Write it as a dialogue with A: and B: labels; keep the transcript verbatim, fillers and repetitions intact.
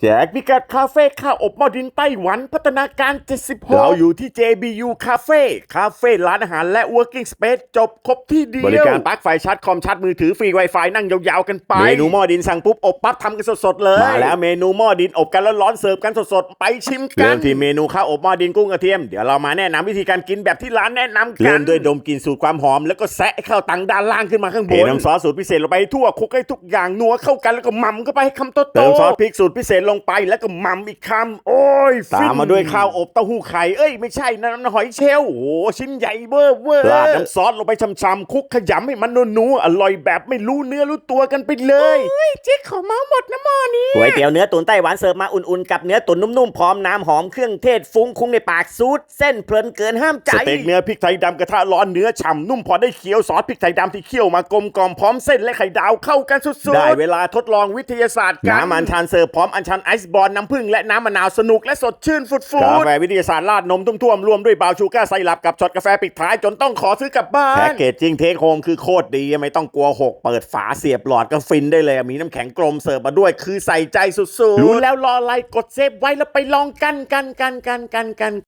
A: แจกพิกัดคาเฟ่ข้าวอบหม้อดินไต้หวันพัฒนาการเจ็ดสิบหกเราอยู่ที่ เจ บี ยู Cafe คาเฟ่ร้านอาหารและ Working Space จบครบที่เดียวบริการปลั๊กไฟชาร์จคอมชาร์จมือถือฟรี Wi-Fi นั่งยาวๆกันไปเมนูหม้อดินสั่งปุ๊บอบปั๊บทำกันสดๆเลยมาแล้วเมนูหม้อดินอบกันร้อนๆเสิร์ฟกันสดๆไปชิมกันเริ่มที่เมนูข้าวอบหม้อดินกุ้งกระเทียมเดี๋ยวเรามาแนะนำวิธีการกินแบบที่ร้านแนะนำกันเริ่มด้วยดมกลิ่นสูตรความหอมแล้วก็แซะข้าวตังด้านล่างขึ้นมาข้างบนเทน้ำซอสสูตรพิเศษลงไปทั่วคลุกให้ทุกอย่างนัวเข้ากันแล้วก็หม่ำเข้าไปให้คำโตๆเติมซอสพริกสูตรพิเศษลงไปแล้วก็หม่ำอีกคำโอ้ยตามมาด้วยข้าวอบเต้าหู้ไข่เอ้ยไม่ใช่นะน้ำหอยเชลล์โอ้โหชิ้นใหญ่เวอร์เวอร์ราดน้ำซอสลงไปช่ำๆคลุกขยำให้มันนัวๆอร่อยแบบไม่รู้เนื้อรู้ตัวกันไปเลยเฮ้ยเจ๊ขอเมาหมดนะหม้อนี้ก๋วยเตี๋ยวเนื้อตุ๋นไต้หวันเสิร์ฟมาอุ่นๆกับเนื้อตุ๋นนุ่มๆพร้อมน้ำหอมเครื่องเทศฟุ้งคุ้งในปากซูดเส้นเพลินเกินห้ามใจสเต็กเนื้อพริกไทยดำกระทะร้อนเนื้อฉ่ำนุ่มพอได้เคี้ยวซอสพริกไทยดำที่เคี่ยวมากลมกล่อมพร้อมเส้นและไข่ดาวเข้ากันสุดๆได้เวลาทดลองวิทยาศาสตร์กันน้ำอัญชันเสิร์ฟพร้อมอัญชันไอซ์บอลน้ำผึ้งและน้ำมะนาวสนุกและสดชื่นฟุดๆกาแฟวิทยาศาสตร์ราดนมทุ่วมๆรวมด้วยบราวน์ชูการ์ไซรัปกับช็อตกาแฟปิดท้ายจนต้องขอซื้อกลับบ้านแพ็กเกจจริงเทคโฮมคือโคตรดีไม่ต้องกลัวหกเปิดฝาเสียบหลอดก็ฟินได้เลยมีน้ำแข็งกลมเสิร์ฟมาด้วยคือใส่ใจสุดๆรู้แล้วรออะไรกดเซฟไว้แล้วไปลองกันกันกันกันกันกัน